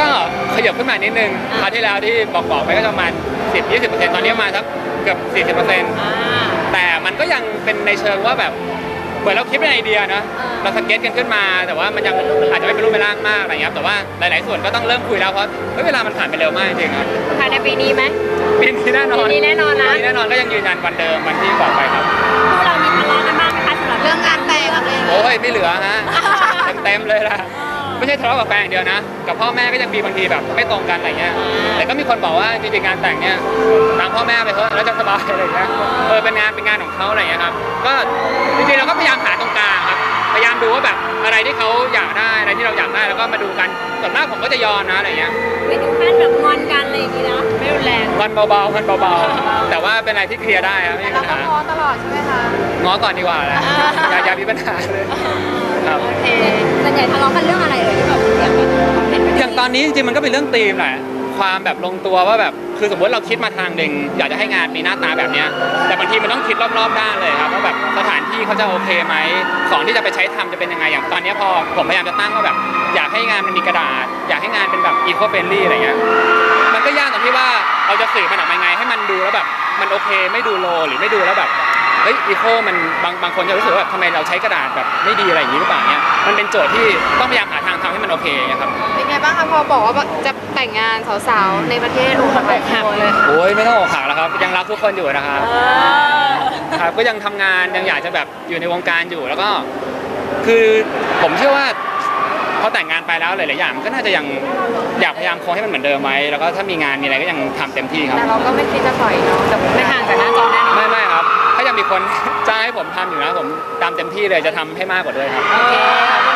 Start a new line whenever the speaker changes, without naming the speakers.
ก็ขยับขึ้นมานิดนึงคราวที่แล้วที่บอกไปก็ประมาณ10-20%ตอนนี้มาสักเกือบ40%แต่มันก็ยังเป็นในเชิงว่าแบบเหมือนเราคิดเป็นไอเดียนะเราสเก็ตกันขึ้นมาแต่ว่ามันยังอาจจะไม่เป็นรูปเป็นร่างมากอะไรเงี้ยแต่ว่าหลายๆส่วนก็ต้องเริ่มคุยแล้วเพราะเวลามันผ่านไปเร็วมากจริงครับ
ภายในปีนี้ไหม
ปีนี้แน่นอน
ปีนี้แน่นอนนะ
ปีนี้แน่นอนก็ยังยืนยันวันเดิมวันที่บอกไปครับ
คู่เรามีทะเลาะกันบ้างไหมคะสำหรับ
เรื่องงานแต่งอะไร
โอ้ยไม่เหลือฮะเต็มเลยล่ะไม่ใช่ทะเลาะกับแฟนอย่างเดียวนะกับพ่อแม่ก็ยังมีบางทีแบบไม่ตรงกันอะไรเงี้ยแต่ก็มีคนบอกว่าจริงๆงานแต่งเนี่ยตามพ่อแม่ไปเถอะแล้วจะสบายอะไรเงี้ยเป็นงานของเขาอะไรเงี้ยครับก็จริงๆเราก็พยายามหาตรงกลางครับพยายามดูว่าแบบอะไรที่เขาอยากได้อะไรที่เราอยากได้แล้วก็มาดูกันส่วนมากผมก็จะยอมนะอะไรเงี้ย
ไม่ถึงขั้นแบบงอนกันอะไรอย่างงี้นะไม่รุนแรง
งอนเบาๆแต่ว่าเป็นอะไรที่เคลียร์ได้ครับไม่มีปัญหา
เราก็ง้อตลอดใช่ไหมคะ
ง้อก่อนดีกว่าแหละอย่ามีปัญหาเลยครับ
โอเคส่วนใหญ่ทะเลาะกันเรื่องอะไรที่แบบ
อย่างตอนนี้จริงๆมันก็เป็นเรื่องธีมแหละความแบบลงตัวว่าแบบคือสมมติเราคิดมาทางหนึ่งอยากจะให้งานมีหน้าตาแบบนี้แต่บางทีมันต้องคิดรอบๆด้านเลยครับว่าแบบสถานที่เขาจะโอเคไหมของที่จะไปใช้ทำจะเป็นยังไงอย่างตอนนี้พอผมพยายามจะตั้งว่าแบบอยากให้งานมันมีกระดาษอยากให้งานเป็นแบบอีโคเฟรนลี่อะไรเงี้ยมันก็ยากตรงที่ว่าเราจะสื่อมันออกมาไงให้มันดูแล้วแบบมันโอเคไม่ดูโลหรือไม่ดูแล้วแบบอีโคมันบางคนจะรู้สึกว่าทำไมเราใช้กระดาษแบบไม่ดีอะไรอย่างนี้หรือเปล่าเนี่ยมันเป็นโจทย์ที่ต้องพยายามหาทางทำให้มันโอเคครับ
เป็นไงบ้างคะพอบอกว่าจะแต่งงานสาวๆในประเทศอกหักเลย
โอ้ยไม่ต้องอกหักแล้วครับยังรักทุกคนอยู่นะครับครับก็ยังทำงานยังอยากจะแบบอยู่ในวงการอยู่แล้วก็คือผมเชื่อว่าพอแต่งงานไปแล้วหลายๆอย่างก็น่าจะยังอยากพยายามคงให้มันเหมือนเดิมไว้แล้วก็ถ้ามีงานมีอะไรก็ยังทำเต็มที่ครับ
แต่เราก็ไม่คิดจะปล่อยเนาะแต่
ไม่ห่างจากหน้าจอแน่นอน
ไม่ครับถ้ายังมีคนจ้างให้ผมทำอยู่นะผมตามเต็มที่เลยจะทำให้มากกว่าด้วยครับ
โอเค